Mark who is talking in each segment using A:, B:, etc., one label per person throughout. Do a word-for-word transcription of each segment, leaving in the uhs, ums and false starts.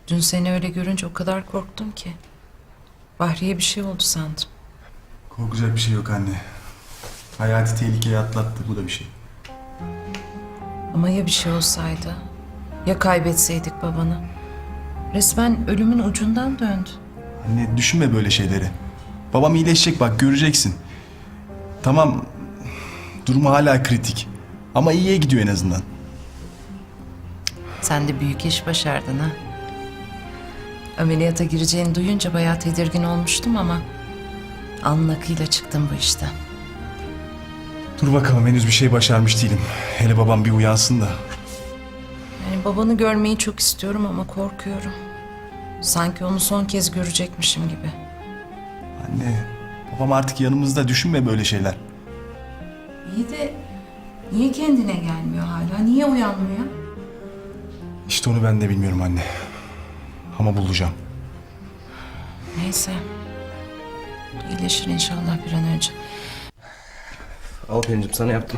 A: Dün seni öyle görünce o kadar korktum ki. Bahriye bir şey oldu sandım.
B: Korkacak bir şey yok anne. Hayati tehlikeyi atlattı, bu da bir şey.
A: Ama ya bir şey olsaydı? Ya kaybetseydik babanı? Resmen ölümün ucundan döndü.
B: Anne düşünme böyle şeyleri. Babam iyileşecek, bak göreceksin. Tamam, durumu hala kritik. Ama iyiye gidiyor en azından.
A: Sen de büyük iş başardın ha. Ameliyata gireceğini duyunca bayağı tedirgin olmuştum ama... alnın akıyla çıktım bu işten.
B: Dur bakalım, henüz bir şey başarmış değilim. Hele babam bir uyansın da.
A: Yani babanı görmeyi çok istiyorum ama korkuyorum. Sanki onu son kez görecekmişim gibi.
B: Anne, babam artık yanımızda, düşünme böyle şeyler.
A: İyi de niye kendine gelmiyor hala? Niye uyanmıyor?
B: İşte onu ben de bilmiyorum anne. Ama bulacağım.
A: Neyse. İyileşir inşallah bir an önce.
C: Al Pelin'cim, sana yaptım.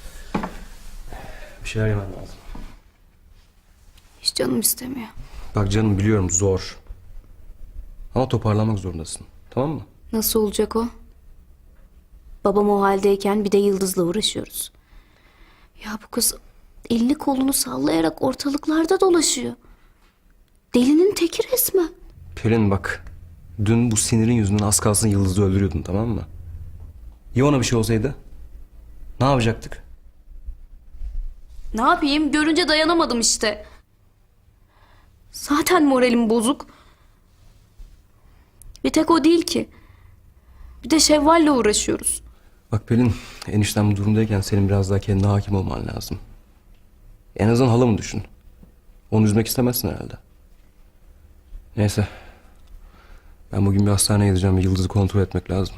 C: Bir şeyler yemen lazım.
D: Hiç canım istemiyor.
C: Bak canım, biliyorum zor. Ama toparlanmak zorundasın. Tamam mı?
D: Nasıl olacak o? Babam o haldeyken bir de Yıldız'la uğraşıyoruz. Ya bu kız elini kolunu sallayarak ortalıklarda dolaşıyor. Delinin teki resmen.
C: Pelin bak. Dün bu sinirin yüzünden az kalsın Yıldız'ı öldürüyordun, tamam mı? Ya ona bir şey olsaydı? Ne yapacaktık?
D: Ne yapayım? Görünce dayanamadım işte. Zaten moralim bozuk. Bir tek o değil ki. Bir de Şevval'le uğraşıyoruz.
C: Bak Pelin, enişten bu durumdayken senin biraz daha kendine hakim olman lazım. En azından halamı düşün. Onu üzmek istemezsin herhalde. Neyse. Ben bugün bir hastaneye gideceğim ve Yıldız'ı kontrol etmek lazım.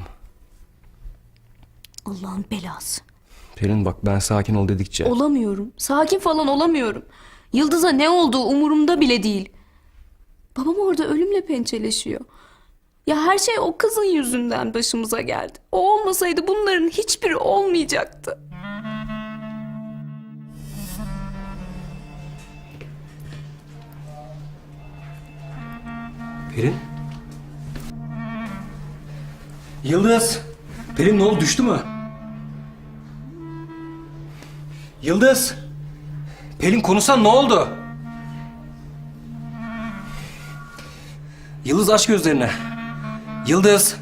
D: Allah'ın belası.
C: Pelin bak, ben sakin ol dedikçe...
D: Olamıyorum. Sakin falan olamıyorum. Yıldız'a ne olduğu umurumda bile değil. Babam orada ölümle pençeleşiyor. Ya her şey o kızın yüzünden başımıza geldi. O olmasaydı bunların hiçbiri olmayacaktı.
C: Pelin? Yıldız! Pelin ne oldu, düştü mü? Yıldız! Pelin konuşsan, ne oldu? Yıldız, aç gözlerini. Yıldız!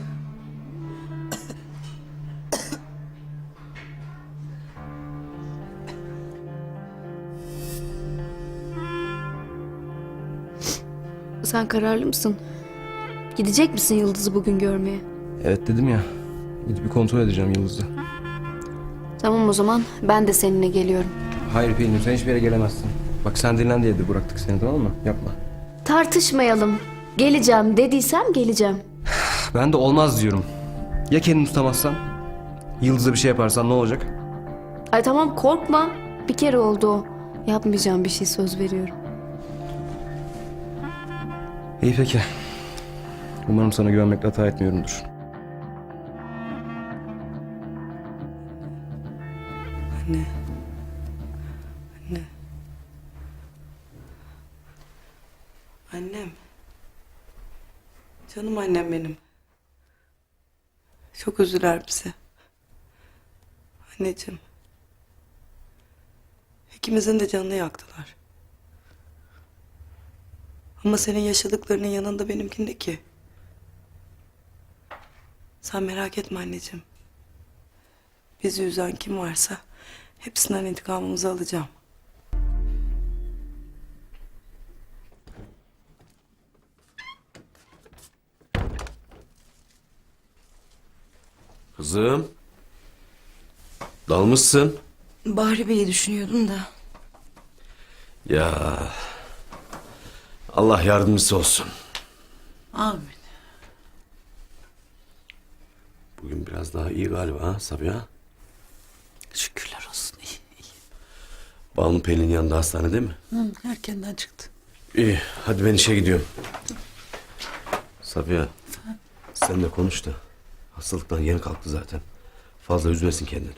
D: Sen kararlı mısın? Gidecek misin Yıldız'ı bugün görmeye?
C: Evet dedim ya. Gidip bir kontrol edeceğim Yıldız'ı.
D: Tamam o zaman ben de seninle geliyorum.
C: Hayır Pelin, sen hiçbir yere gelemezsin. Bak sen dinlen diye de bıraktık seni, tamam mı? Yapma.
D: Tartışmayalım. Geleceğim dediysem geleceğim.
C: Ben de olmaz diyorum. Ya kendini tutamazsan? Yıldız'a bir şey yaparsan ne olacak?
D: Ay tamam korkma. Bir kere oldu o. Yapmayacağım bir şey, söz veriyorum.
C: İyi peki. Umarım sana güvenmekle hata etmiyorumdur.
E: Anne. Anne. Annem. Canım annem benim. Çok üzüler bize. Anneciğim. İkimizin de canını yaktılar. Ama senin yaşadıklarının yanında benimkindeki. Sen merak etme anneciğim. Bizi üzen kim varsa hepsinden intikamımızı alacağım.
F: Kızım. Dalmışsın.
E: Bahri Bey'i düşünüyordum da.
F: Ya. Allah yardımcısı olsun.
E: Amin.
F: Bugün biraz daha iyi galiba ha Sabiha?
E: Şükürler olsun. İyi, iyi.
F: Banu Pelin'in yanında hastanede mi?
E: Hı, erkenden çıktı.
F: İyi. Hadi ben işe gidiyorum. Sabiha. Sen de konuş da. Hastalıktan yeni kalktı zaten. Fazla üzmesin kendini.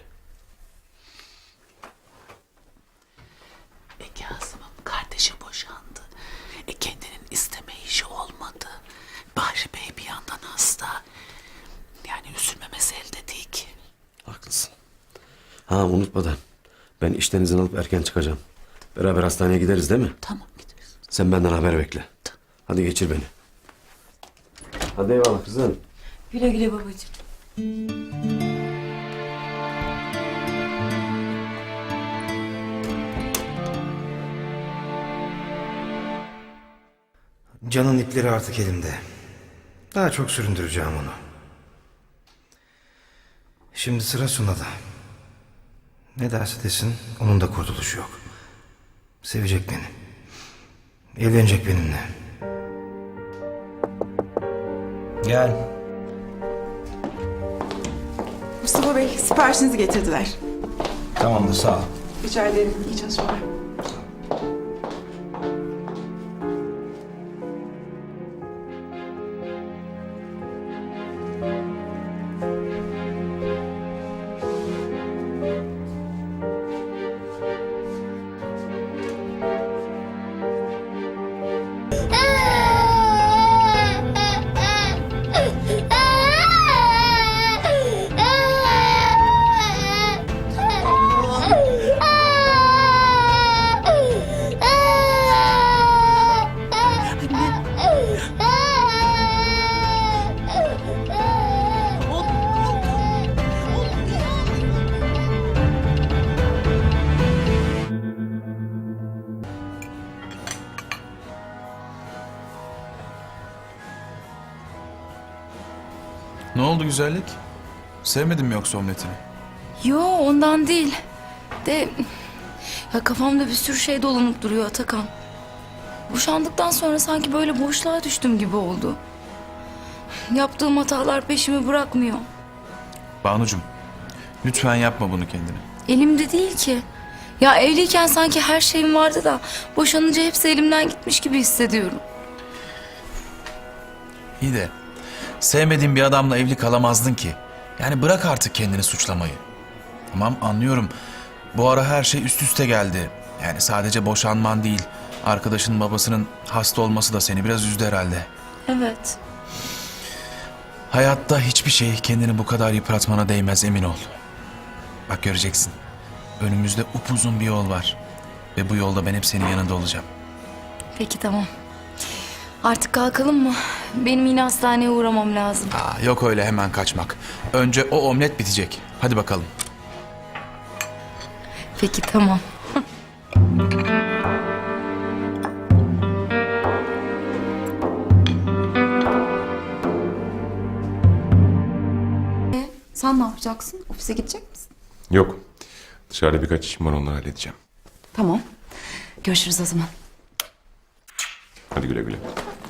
G: E Kazım'ın kardeşi boşandı. E kendinin iste
F: Ha unutmadan. Ben işten izin alıp erken çıkacağım. Beraber hastaneye gideriz değil mi?
G: Tamam gideriz.
F: Sen benden haber bekle. Hadi geçir beni. Hadi eyvallah kızım.
G: Güle güle babacığım.
H: Can'ın ipleri artık elimde. Daha çok süründüreceğim onu. Şimdi sıra Suna'da. Ne derse desin onun da kurtuluşu yok. Sevecek beni. Evlenecek benimle. Gel.
I: Mustafa Bey, siparişinizi getirdiler.
H: Tamamdır, sağ ol.
I: Rica ederim. İyi çalışmalar.
J: Ne oldu güzellik? Sevmedin mi yoksa omletini?
D: Yo ondan değil. De ya kafamda bir sürü şey dolanıp duruyor Atakan. Boşandıktan sonra sanki böyle boşluğa düştüm gibi oldu. Yaptığım hatalar peşimi bırakmıyor.
J: Banucum, lütfen yapma bunu kendine.
D: Elimde değil ki. Ya evliyken sanki her şeyim vardı da boşanınca hepsi elimden gitmiş gibi hissediyorum.
J: İyi de sevmediğin bir adamla evli kalamazdın ki. Yani bırak artık kendini suçlamayı. Tamam anlıyorum. Bu ara her şey üst üste geldi. Yani sadece boşanman değil. Arkadaşının babasının hasta olması da seni biraz üzdü herhalde.
D: Evet.
J: Hayatta hiçbir şey kendini bu kadar yıpratmana değmez, emin ol. Bak göreceksin. Önümüzde upuzun bir yol var. Ve bu yolda ben hep senin yanında olacağım.
D: Peki tamam. Artık kalkalım mı? Benim yine hastaneye uğramam lazım.
J: Aa, yok öyle hemen kaçmak. Önce o omlet bitecek. Hadi bakalım.
D: Peki tamam.
K: Sen ne yapacaksın? Ofise gidecek misin?
L: Yok. Dışarıda birkaç işim var, onları halledeceğim.
K: Tamam. Görüşürüz o zaman.
L: Hadi güle güle.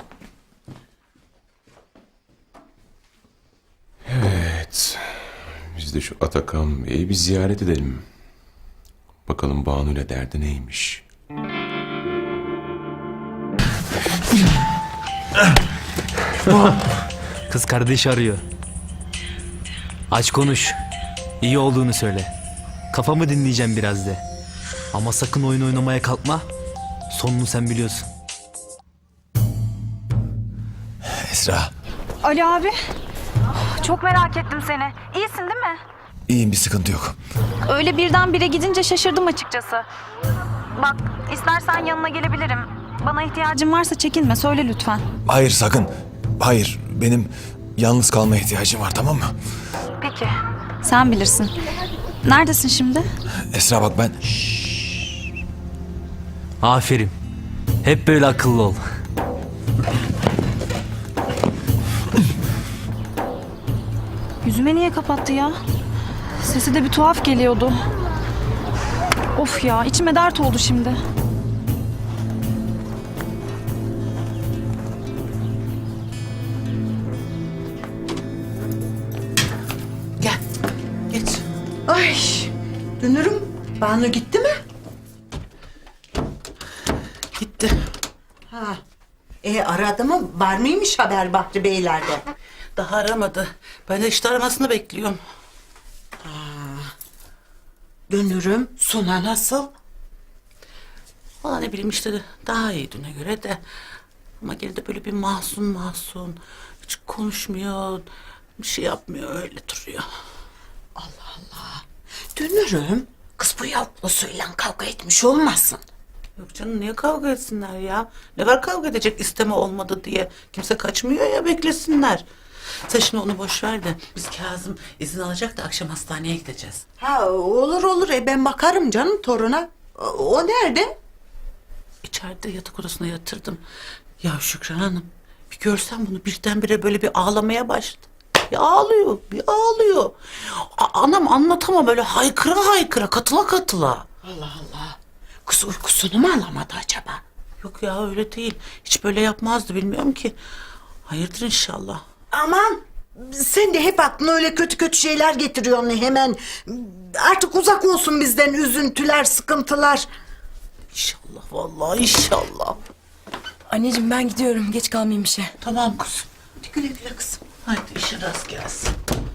L: Evet. Biz de şu Atakan Bey'i bir ziyaret edelim. Bakalım Banu'yla derdi neymiş?
M: Kız kardeş arıyor. Aç konuş. İyi olduğunu söyle. Kafamı dinleyeceğim biraz de. Ama sakın oyun oynamaya kalkma. Sonunu sen biliyorsun.
J: Esra.
K: Ali abi. Çok merak ettim seni. İyisin değil mi?
J: İyiyim, bir sıkıntı yok.
K: Öyle birdenbire gidince şaşırdım açıkçası. Bak istersen yanına gelebilirim. Bana ihtiyacın varsa çekinme, söyle lütfen.
J: Hayır sakın. Hayır, benim yalnız kalmaya ihtiyacım var, tamam mı?
K: Peki. Sen bilirsin. Neredesin şimdi?
J: Esra bak ben...
M: Aferin. Hep böyle akıllı ol.
K: Yüzüme niye kapattı ya? Sesi de bir tuhaf geliyordu. Of ya, içime dert oldu şimdi.
G: Gel. Geç. Ay. Dönürüm. Banu gitti mi? Gitti. Ha. E aradı mı? Var mıymış haber Bahri Beyler'de? Daha aramadı. Ben de işte aramasını bekliyorum. Ha. Dönürüm. Suna nasıl? Valla ne bileyim işte daha iyi düne göre de. Ama gene de böyle bir mahzun mahzun. Hiç konuşmuyor. Bir şey yapmıyor, öyle duruyor. Allah Allah. Dönürüm. Kız bu yavrusuyla kavga etmiş olmasın.
E: Yok canım, niye kavga etsinler ya? Ne var kavga edecek, isteme olmadı diye. Kimse kaçmıyor ya, beklesinler. Sen şimdi onu boş ver de biz Kazım izin alacak da akşam hastaneye gideceğiz.
G: Ha olur olur e ben bakarım canım toruna. O, o nerede?
E: İçeride yatak odasına yatırdım. Ya Şükran Hanım, bir görsen bunu, birdenbire böyle bir ağlamaya başladı. Bir ağlıyor, bir ağlıyor. A- anam anlatamam, böyle haykıra haykıra, katıla katıla.
G: Allah Allah. Kız uykusunu mu alamadı acaba?
E: Yok ya, öyle değil. Hiç böyle yapmazdı, bilmiyorum ki. Hayırdır inşallah.
G: Aman sen de hep aklına öyle kötü kötü şeyler getiriyorsun hemen. Artık uzak olsun bizden üzüntüler, sıkıntılar.
E: İnşallah vallahi, inşallah.
I: Anneciğim ben gidiyorum. Geç kalmayayım işe.
E: Tamam kızım. Hadi güle güle kızım. Haydi işin rast gelsin.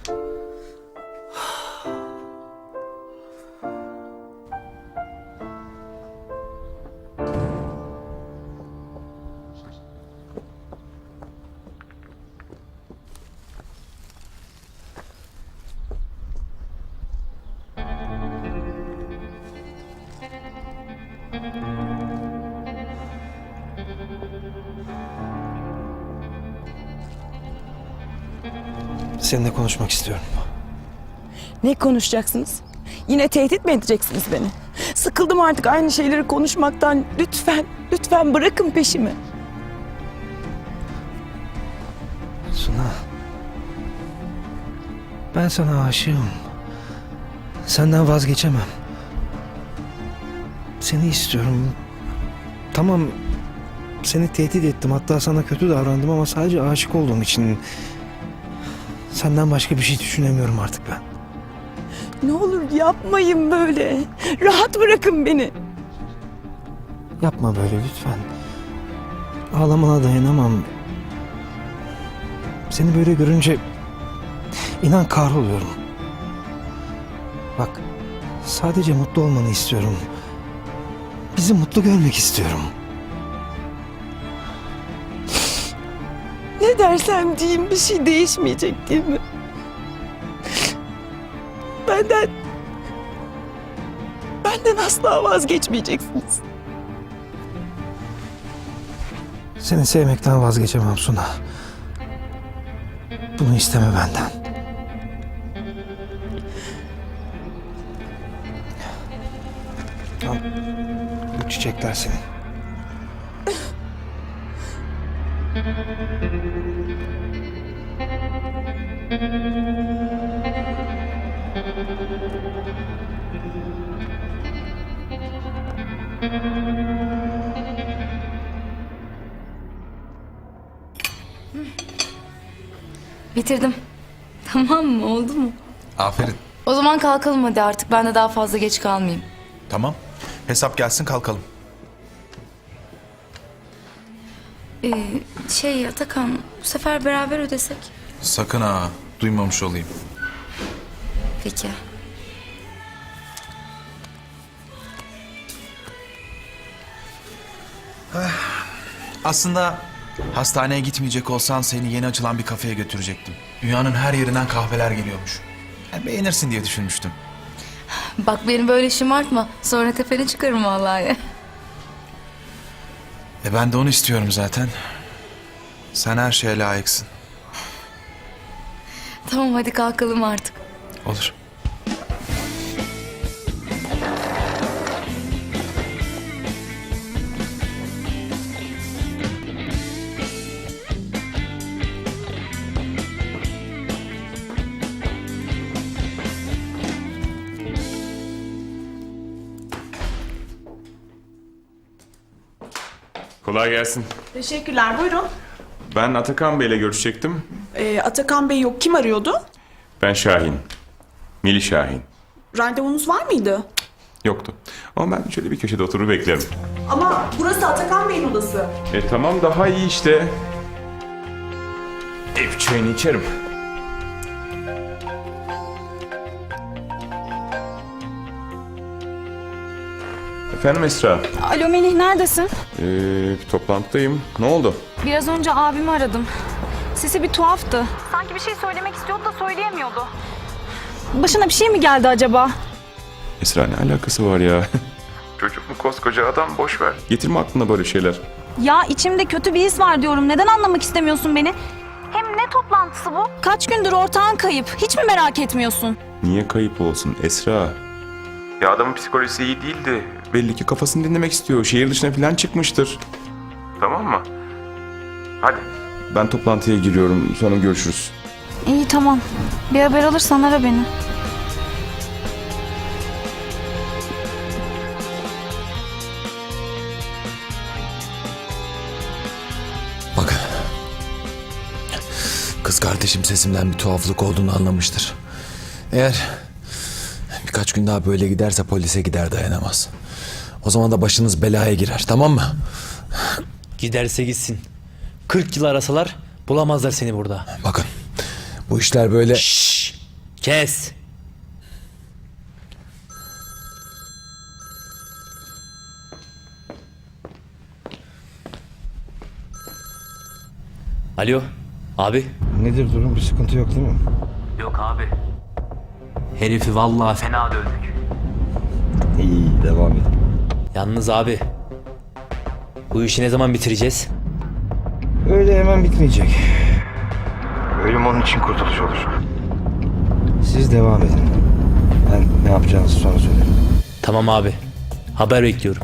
H: Seninle konuşmak istiyorum.
I: Ne konuşacaksınız? Yine tehdit mi edeceksiniz beni? Sıkıldım artık aynı şeyleri konuşmaktan. Lütfen, lütfen bırakın peşimi.
H: Suna. Ben sana aşığım. Senden vazgeçemem. Seni istiyorum. Tamam, seni tehdit ettim. Hatta sana kötü davrandım ama sadece aşık olduğum için. Senden başka bir şey düşünemiyorum artık ben.
I: Ne olur yapmayın böyle. Rahat bırakın beni.
H: Yapma böyle lütfen. Ağlamana dayanamam. Seni böyle görünce inan kahroluyorum. Bak, sadece mutlu olmanı istiyorum. Bizi mutlu görmek istiyorum.
I: Ne dersem diyeyim bir şey değişmeyecek değil mi? Benden... Benden asla vazgeçmeyeceksiniz.
H: Seni sevmekten vazgeçemem Suna. Bunu isteme benden. Al, bu çiçekler senin.
D: Bitirdim. Tamam mı? Oldu mu?
J: Aferin.
D: O zaman kalkalım hadi artık. Ben de daha fazla geç kalmayayım.
J: Tamam. Hesap gelsin, kalkalım.
D: Ee, şey Atakan, bu sefer beraber ödesek.
J: Sakın ha, duymamış olayım.
D: Peki.
J: Aslında hastaneye gitmeyecek olsan seni yeni açılan bir kafeye götürecektim. Dünyanın her yerinden kahveler geliyormuş. Yani beğenirsin diye düşünmüştüm.
D: Bak beni böyle şımartma. Sonra tepene çıkarım vallahi.
J: E ben de onu istiyorum zaten. Sen her şeye layıksın.
D: Tamam hadi kalkalım artık.
J: Olur.
L: Kolay gelsin.
I: Teşekkürler. Buyurun.
L: Ben Atakan Bey'le görüşecektim.
I: Ee, Atakan Bey yok. Kim arıyordu?
L: Ben Şahin. Mili Şahin.
I: Randevunuz var mıydı?
L: Yoktu. Ama ben şöyle bir köşede oturur beklerim.
I: Ama burası Atakan Bey'in odası.
L: E tamam, daha iyi işte. Ev çayını içerim. Efendim Esra.
K: Alo Melih neredesin?
L: Ee, bir toplantıdayım. Ne oldu?
K: Biraz önce abimi aradım. Sesi bir tuhaftı. Sanki bir şey söylemek istiyordu da söyleyemiyordu. Başına bir şey mi geldi acaba?
L: Esra ne alakası var ya? Çocuk mu koskoca adam, boş ver. Getirme aklına böyle şeyler.
K: Ya içimde kötü bir his var diyorum. Neden anlamak istemiyorsun beni? Hem ne toplantısı bu? Kaç gündür ortağın kayıp. Hiç mi merak etmiyorsun?
L: Niye kayıp olsun Esra? Ya adamın psikolojisi iyi değildi. Belli ki kafasını dinlemek istiyor. Şehir dışına falan çıkmıştır. Tamam mı? Hadi. Ben toplantıya giriyorum. Sonra görüşürüz.
K: İyi tamam. Bir haber alırsan ara beni.
J: Bakın. Kız kardeşim sesimden bir tuhaflık olduğunu anlamıştır. Eğer birkaç gün daha böyle giderse polise gider, dayanamaz. O zaman da başınız belaya girer, tamam mı?
M: Giderse gitsin. kırk yıl arasalar bulamazlar seni burada.
J: Bakın bu işler böyle...
M: Şşş! Kes! Alo, abi.
H: Nedir durum? Bir sıkıntı yok değil mi?
M: Yok abi. Herifi vallahi fena dövdük.
H: İyi, devam edin.
M: Yalnız abi, bu işi ne zaman bitireceğiz?
H: Öyle hemen bitmeyecek. Ölüm onun için kurtuluş olur. Siz devam edin. Ben ne yapacağınızı sonra söylerim.
M: Tamam abi, haber bekliyorum.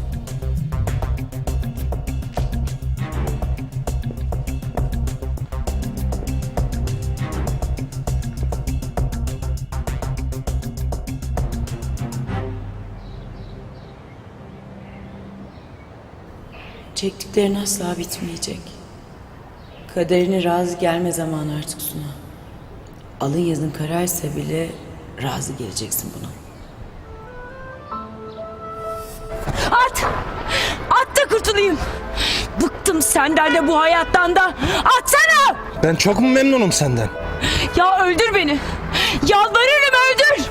I: Çektiklerin asla bitmeyecek. Kaderine razı gelme zamanı artık Suna. Alın yazın kararsa bile razı geleceksin buna. At! At da kurtulayım! Bıktım senden de bu hayattan da! Atsana!
H: Ben çok mu memnunum senden?
I: Ya öldür beni! Yalvarırım öldür!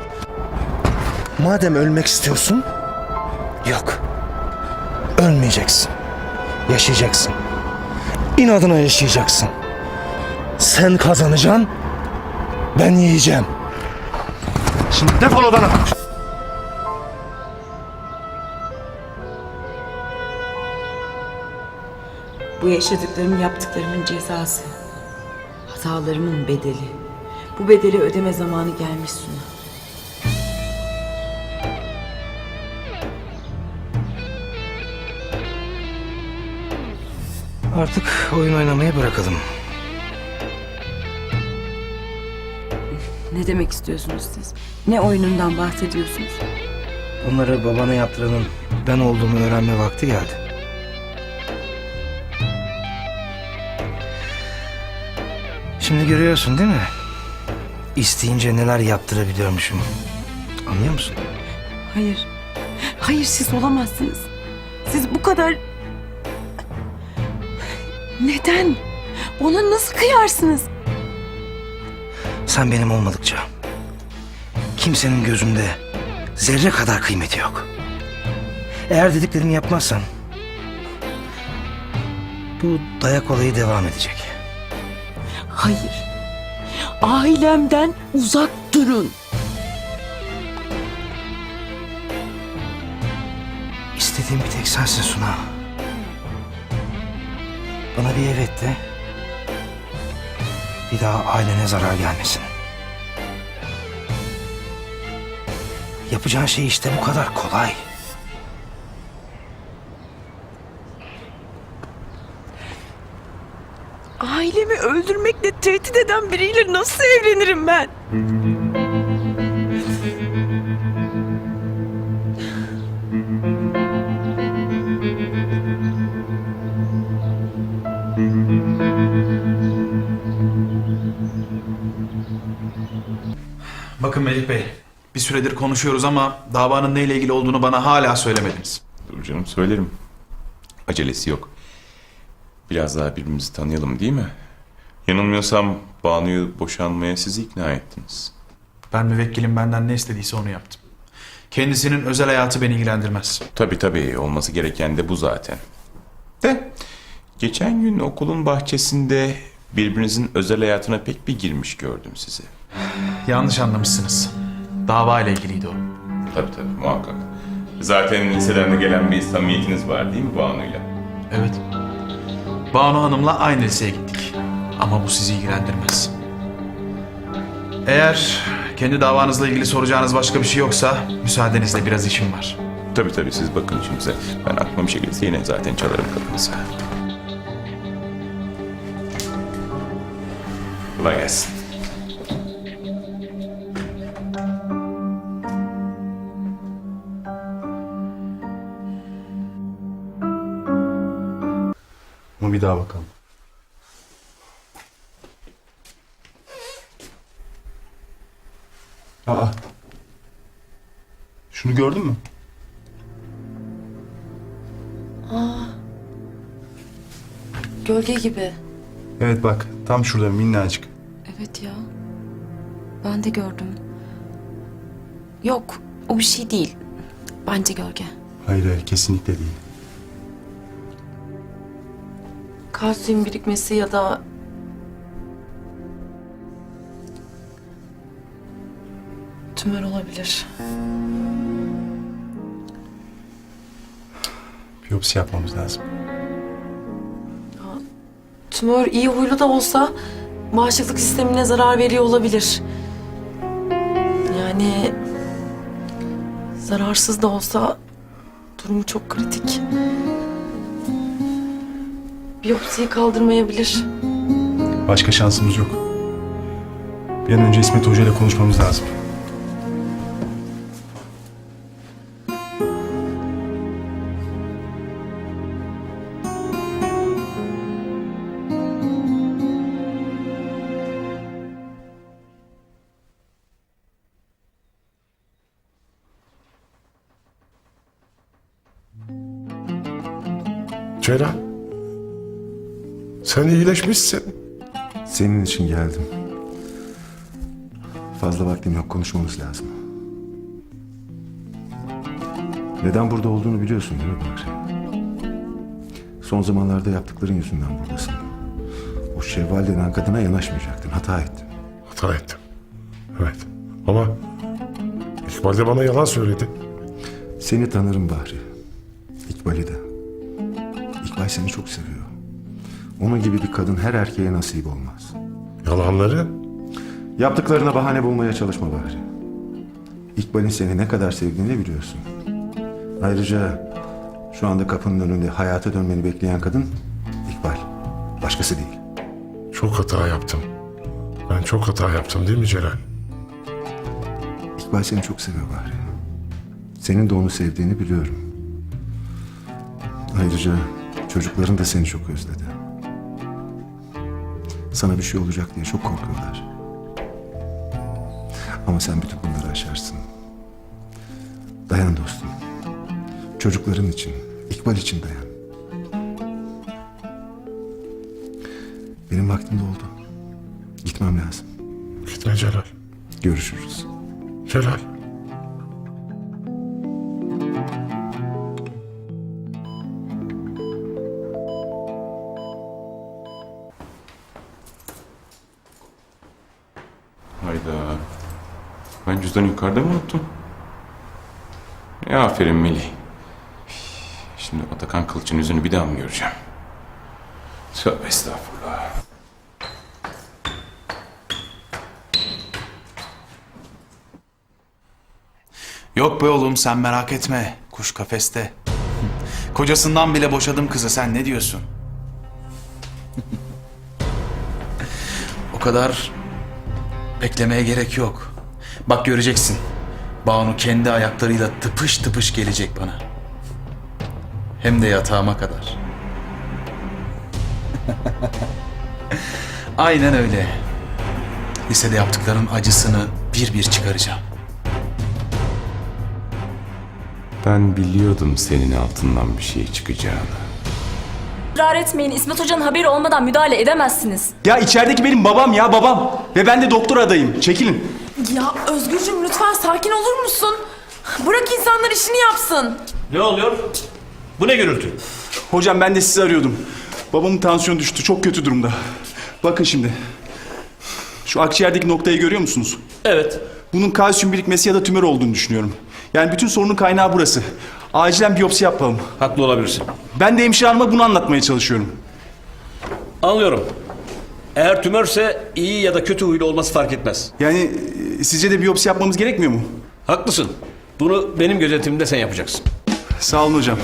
H: Madem ölmek istiyorsun, yok. Ölmeyeceksin. Yaşayacaksın. İnadına yaşayacaksın. Sen kazanacaksın, ben yiyeceğim. Şimdi defol odana.
I: Bu yaşadıklarım yaptıklarımın cezası. Hatalarımın bedeli. Bu bedeli ödeme zamanı gelmiş Suna.
H: Artık oyun oynamayı bırakalım.
I: Ne demek istiyorsunuz siz? Ne oyunundan bahsediyorsunuz?
H: Bunları babana yaptıranın ben olduğumu öğrenme vakti geldi. Şimdi görüyorsun değil mi? İsteyince neler yaptırabiliyormuşum. Anlıyor musun?
I: Hayır. Hayır siz olamazsınız. Siz bu kadar... Neden? Ona nasıl kıyarsınız?
H: Sen benim olmadıkça kimsenin gözünde zerre kadar kıymeti yok. Eğer dediklerimi yapmazsan bu dayak olayı devam edecek.
I: Hayır. Ailemden uzak durun.
H: İstediğim bir tek sensin Suna. Bana bir evet de bir daha ailene zarar gelmesin. Yapacağın şey işte bu kadar kolay.
I: Ailemi öldürmekle tehdit eden biriyle nasıl evlenirim ben?
J: Bakın Melih Bey, bir süredir konuşuyoruz ama davanın neyle ilgili olduğunu bana hala söylemediniz.
L: Dur canım, söylerim. Acelesi yok. Biraz daha birbirimizi tanıyalım değil mi? Yanılmıyorsam Banu'yu boşanmaya siz ikna ettiniz.
J: Ben müvekkilim benden ne istediyse onu yaptım. Kendisinin özel hayatı beni ilgilendirmez.
L: Tabii tabii, olması gereken de bu zaten. De geçen gün okulun bahçesinde birbirinizin özel hayatına pek bir girmiş gördüm sizi.
J: Yanlış anlamışsınız. Dava ile ilgiliydi o.
L: Tabii tabii muhakkak. Zaten liseden de gelen bir samimiyetiniz var değil mi Banu'yla?
J: Evet. Banu Hanım'la aynı liseye gittik. Ama bu sizi ilgilendirmez. Eğer kendi davanızla ilgili soracağınız başka bir şey yoksa müsaadenizle biraz işim var.
L: Tabii tabii siz bakın işinize. Ben aklıma bir şey gelirse yine zaten çalarım kapınızı. Kolay gelsin.
B: Ama bir daha bakalım. Aa. Şunu gördün mü?
D: Gölge gibi.
B: Evet bak tam şurada minnacık.
D: Evet ya. Ben de gördüm. Yok, o bir şey değil. Bence gölge.
B: Hayır hayır kesinlikle değil.
D: Kalsiyum birikmesi ya da tümör olabilir.
B: Biyopsi yapmamız lazım.
N: Tümör iyi huylu da olsa bağışıklık sistemine zarar veriyor olabilir. Yani zararsız da olsa durumu çok kritik. Biyopsiyi kaldırmayabilir.
B: Başka şansımız yok. Bir an önce İsmet Hoca ile konuşmamız lazım.
O: Ceren, sen iyileşmişsin.
P: Senin için geldim. Fazla vaktim yok, konuşmamız lazım. Neden burada olduğunu biliyorsun değil mi Bahri? Son zamanlarda yaptıkların yüzünden buradasın. O Şevval denen kadına yanaşmayacaktın, hata ettin.
O: Hata ettim. Evet. Ama İkbal de bana yalan söyledi.
P: Seni tanırım Bahri. İkbal'i de. İkbal seni çok seviyor. Onun gibi bir kadın her erkeğe nasip olmaz.
O: Yalanları?
P: Yaptıklarına bahane bulmaya çalışma Bahri. İkbal'in seni ne kadar sevdiğini biliyorsun. Ayrıca şu anda kapının önünde hayata dönmeni bekleyen kadın İkbal. Başkası değil.
O: Çok hata yaptım. Ben çok hata yaptım değil mi Celal?
P: İkbal seni çok seviyor Bahri. Senin de onu sevdiğini biliyorum. Ayrıca çocukların da seni çok özledi. Sana bir şey olacak diye çok korkuyorlar. Ama sen bütün bunları aşarsın. Dayan dostum. Çocukların için, İkbal için dayan. Benim vaktim doldu. Gitmem lazım.
O: Gitme Celal.
P: Görüşürüz.
O: Celal.
L: Hayda. Ben cüzdanı yukarıda mı unuttum? Ya aferin Melih. Şimdi Atakan Kılıç'ın yüzünü bir daha mı göreceğim? Tövbe estağfurullah.
J: Yok be oğlum sen merak etme. Kuş kafeste. Kocasından bile boşadım kızı, sen ne diyorsun? O kadar beklemeye gerek yok. Bak göreceksin. Banu kendi ayaklarıyla tıpış tıpış gelecek bana. Hem de yatağıma kadar. Aynen öyle. Lisede yaptıkların acısını bir bir çıkaracağım.
L: Ben biliyordum senin altından bir şey çıkacağını.
K: Israr etmeyin. İsmet Hoca'nın haberi olmadan müdahale edemezsiniz.
B: Ya içerideki benim babam ya babam. Ve ben de doktor adayım. Çekilin.
N: Ya Özgürcüğüm lütfen sakin olur musun? Bırak insanlar işini yapsın.
M: Ne oluyor? Bu ne gürültü?
B: Hocam ben de sizi arıyordum. Babamın tansiyonu düştü. Çok kötü durumda. Bakın şimdi. Şu akciğerdeki noktayı görüyor musunuz?
M: Evet.
B: Bunun kalsiyum birikmesi ya da tümör olduğunu düşünüyorum. Yani bütün sorunun kaynağı burası. Acilen biyopsi yapalım.
F: Haklı olabilirsin.
B: Ben de hemşire hanıma bunu anlatmaya çalışıyorum.
F: Anlıyorum. Eğer tümörse iyi ya da kötü huylu olması fark etmez.
B: Yani e, sizce de biyopsi yapmamız gerekmiyor mu?
F: Haklısın. Bunu benim gözetimimde sen yapacaksın.
B: Sağ olun hocam.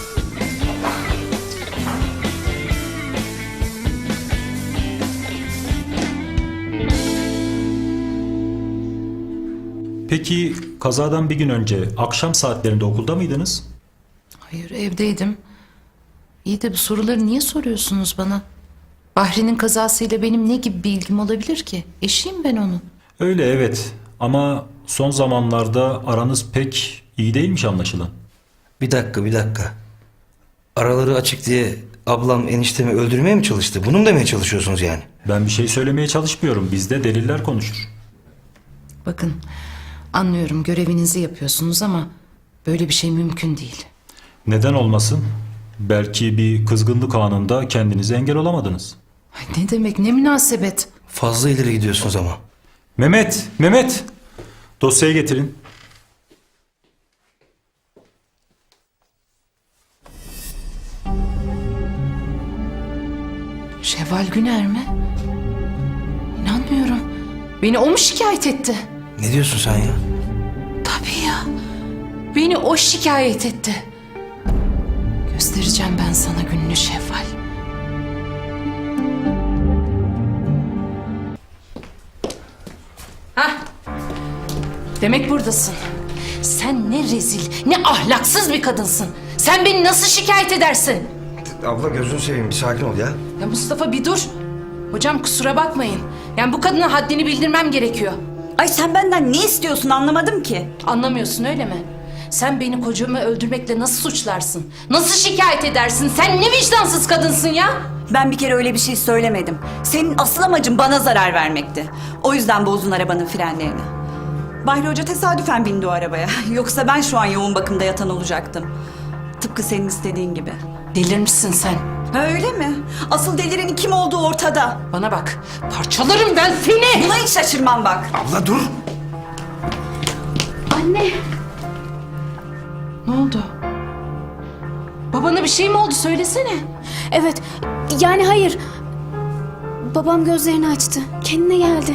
Q: Peki kazadan bir gün önce akşam saatlerinde okulda mıydınız?
A: Hayır, evdeydim. İyi de bu soruları niye soruyorsunuz bana? Bahri'nin kazasıyla benim ne gibi bir ilgim olabilir ki? Eşiyim ben onun.
Q: Öyle evet ama son zamanlarda aranız pek iyi değilmiş anlaşılan.
H: Bir dakika bir dakika. Araları açık diye ablam eniştemi öldürmeye mi çalıştı? Bunu mu demeye çalışıyorsunuz yani?
Q: Ben bir şey söylemeye çalışmıyorum. Bizde deliller konuşur.
A: Bakın, anlıyorum görevinizi yapıyorsunuz ama böyle bir şey mümkün değil.
Q: Neden olmasın? Belki bir kızgınlık anında kendinize engel olamadınız.
A: Ay, ne demek, ne münasebet.
H: Fazla ileri gidiyorsunuz ama.
Q: Mehmet, Mehmet! Dosyayı getirin.
A: Şevval Güner mi? İnanmıyorum. Beni o mu şikayet etti?
H: Ne diyorsun sen ya?
A: Tabii ya. Beni o şikayet etti. Göstereceğim ben sana gününü Şevval. Hah. Demek buradasın. Sen ne rezil, ne ahlaksız bir kadınsın. Sen beni nasıl şikayet edersin?
H: Abla gözünü seveyim bir sakin ol ya.
A: Ya Mustafa bir dur. Hocam kusura bakmayın. Yani bu kadına haddini bildirmem gerekiyor.
N: Ay sen benden ne istiyorsun anlamadım ki.
A: Anlamıyorsun öyle mi? Sen beni kocamı öldürmekle nasıl suçlarsın? Nasıl şikayet edersin? Sen ne vicdansız kadınsın ya?
N: Ben bir kere öyle bir şey söylemedim. Senin asıl amacın bana zarar vermekti. O yüzden bozdun arabanın frenlerini. Bahri Hoca tesadüfen bindi o arabaya. Yoksa ben şu an yoğun bakımda yatan olacaktım. Tıpkı senin istediğin gibi.
A: Delirmişsin sen.
N: Ha, öyle mi? Asıl delirenin kim olduğu ortada.
A: Bana bak, parçalarım ben seni.
N: Buna hiç şaşırmam bak.
H: Abla dur.
D: Anne.
A: Ne oldu? Babana bir şey mi oldu? Söylesene.
D: Evet, yani hayır. Babam gözlerini açtı. Kendine geldi.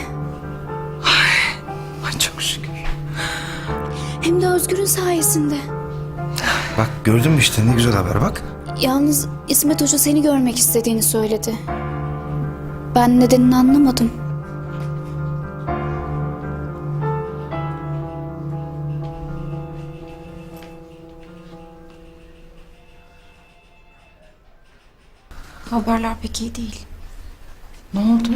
A: Ay çok şükür.
D: Hem de Özgür'ün sayesinde.
H: Bak gördün mü işte ne güzel haber bak.
D: Yalnız İsmet Hoca seni görmek istediğini söyledi. Ben nedenini anlamadım.
K: Haberler pek iyi değil.
A: Ne oldu?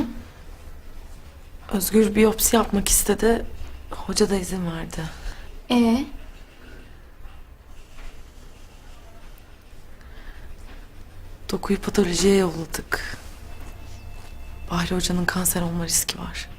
N: Özgür biyopsi yapmak istedi. Hoca da izin verdi.
D: Ee?
N: Dokuyu patolojiye yolladık. Bahri Hoca'nın kanser olma riski var.